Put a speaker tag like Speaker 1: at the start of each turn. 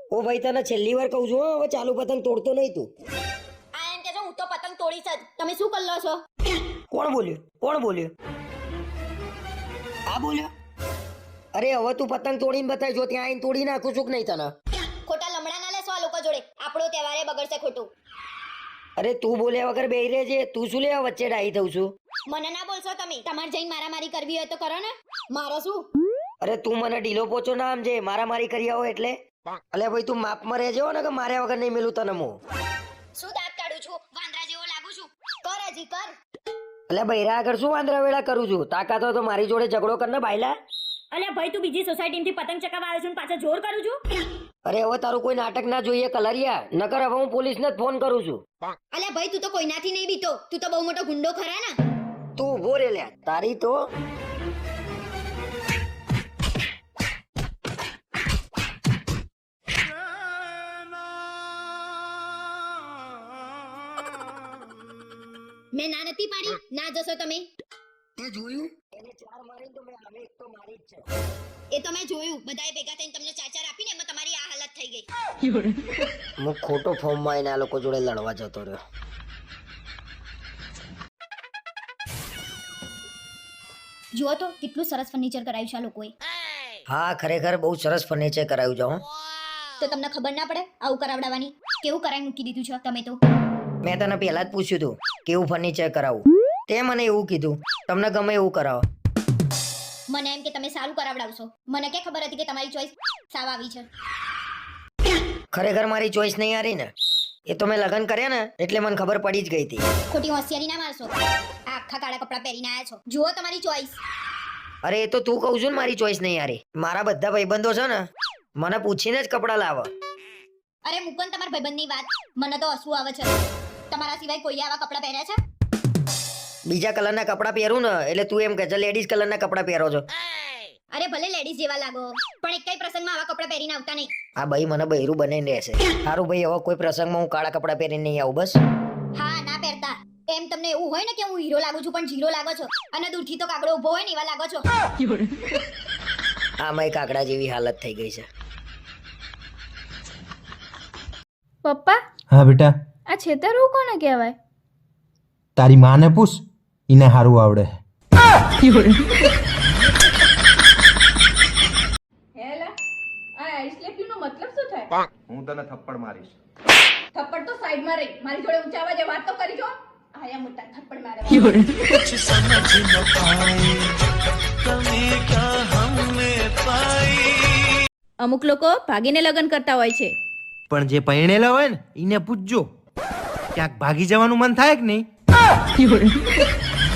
Speaker 1: ઓ ભાઈ તને છેલ્લી વાર કહું છું હો, હવે ચાલુ પતંગ તોડતો નહીં તું.
Speaker 2: આ એમ કે હું તો પતંગ તોડીશ જ. તમે શું કરી લો છો?
Speaker 1: કોણ બોલ્યું? કોણ બોલ્યું? આ બોલ્યો? અરે હવે તું પતંગ તોડીને બતાવી, જો ત્યાં આવીને તોડી નાખું છું કે નહીં તને.
Speaker 2: ખોટા લમડા ના લેશો આ લોકો જોડે. આપણો તહેવારે બગડશે ખોટું.
Speaker 1: અરે તું બોલ્યા વગર બેહી રહેજે, તું શું લેવા વચ્ચે ડાહી થઉં છું?
Speaker 2: મને ના બોલશો તમે. તમારે જઈને મારામારી કરવી હોય તો કરો ને. મારો શું?
Speaker 1: અરે તું મને ઢીલો પોચો ના સમજે, મારામારી કરી આવો એટલે. અલે ભાઈ તું માપમાં રહેજો ને કે માર્યા વગર નહીં મેલું તને હું.
Speaker 2: શું દાંત કાઢું છું? વાંદરા જેવો લાગુ છું? કર હજી કર.
Speaker 1: અલે બૈરા આગળ શું વાંદરા વેળા કરું છું? તાકાત હોય તો મારી જોડે ઝઘડો કર ને બાયલા.
Speaker 2: અલ્યા ભાઈ તું બીજી સોસાયટીમાંથી પતંગ ચકાવવા આવ્યો છું ને પાછા જોર કરું છું?
Speaker 1: અરે હવે તારું કોઈ નાટક ના જોઈએ કલરિયા, નકર હવે હું પોલીસને જ ફોન કરું છું.
Speaker 2: અલ્યા ભાઈ તું તો કોઈનાથી નહીં બીતો. તું તો બહુ મોટો ગુંડો ખરા ને.
Speaker 1: તું ઉભો રે લ્યા, તારી તો
Speaker 2: મેં ના નથી પાડી. ના જશો તમે.
Speaker 1: તે જોયું? એને ચાર મારીને તો મેં હવે એક તો મારી જ છે.
Speaker 2: એ તો મેં જોયું. બધાએ ભેગા થઈને તમને ચાર આપીને એમાં તમારી આ હાલત થઈ ગઈ.
Speaker 1: હું ખોટો ફોર્મમાં આવીને આ લોકો જોડે લડવા જતો રહ્યો.
Speaker 2: જુઓ તો કેટલું સરસ ફર્નિચર કરાવ્યું છે આ લોકોએ.
Speaker 1: હા ખરેખર બહુ સરસ ફર્નિચર કરાવ્યું છે હો.
Speaker 2: તો તમને ખબર ના પડે આવું કરાવડાવવાની? કેવું કરાવી મૂકી દીધું છે તમે તો.
Speaker 1: મેં તને પહેલા જ પૂછ્યું હતું કેવું ફર્નિચર કરાવું, તે મને એવું કીધું તમને ગમે એવું કરાવો.
Speaker 2: મને એમ કે તમે સારું કરાવડાવશો. મને કે ખબર હતી કે તમારી ચોઈસ સાવ આવી છે.
Speaker 1: ખરેખર મારી ચોઈસ નહીં હારી ને, એ તો મેં લગ્ન કર્યા ને એટલે મને ખબર પડી જ ગઈ હતી.
Speaker 2: ખોટી હોશિયારી ના મારશો. આ આખા કાળા કપડાં પહેરીને આયા છો. જુઓ તમારી ચોઈસ.
Speaker 1: અરે એ તો તું કહું છું ને મારી ચોઈસ નહીં હારી. મારા બધા ભાઈબંધો છે ને મને પૂછીને જ કપડાં લાવે.
Speaker 2: અરે મુકન તમારા ભાઈબંધની વાત. મને તો હસવું આવે છે. તમારા સિવાય કોઈએ આવા કપડાં પહેર્યા છે?
Speaker 1: બીજા કલરના કપડાં પહેરું ને એટલે તું એમ કહે છે લેડીઝ કલરના કપડાં પહેરો છો.
Speaker 2: અરે ભલે લેડીઝ જેવા લાગો પણ એક કઈ પ્રસંગમાં આવા કપડાં પહેરીને આવતા નહીં.
Speaker 1: આ ભાઈ મને બૈરું બનાવીને રહેશે. સારું ભાઈ હવે કોઈ પ્રસંગમાં હું કાળા કપડાં પહેરીને નહીં આવું બસ.
Speaker 2: હા ના પહેરતા. એમ તમને એવું હોય ને કે હું હીરો લાગુ છું પણ જીરો લાગો છો અને દૂરથી તો કાગડો ઊભો હોય ને એવા લાગો છો.
Speaker 1: આમાંય કાકડા જેવી હાલત થઈ ગઈ છે.
Speaker 3: પપ્પા
Speaker 4: હા બેટા,
Speaker 3: આ છેતરવું કોને કહેવાય?
Speaker 4: તારી માને પૂછ, એને હારું આવડે.
Speaker 3: હેલા આ આઈ સ્લેપ યુ નો મતલબ શું થાય?
Speaker 5: હું તને થપ્પડ મારીશ.
Speaker 3: થપ્પડ તો સાઈડમાં રહી. મારી જોડે ઊંચા અવાજે વાત તો કરી જો. આયા મોટા થપ્પડ મારે. અમુક લોકો ભાગીને લગ્ન કરતા હોય છે.
Speaker 4: પણ જે પરણેલા હોય ને એને પૂછજો, ક્યાંક ભાગી જવાનું મન થાય કે નહીં?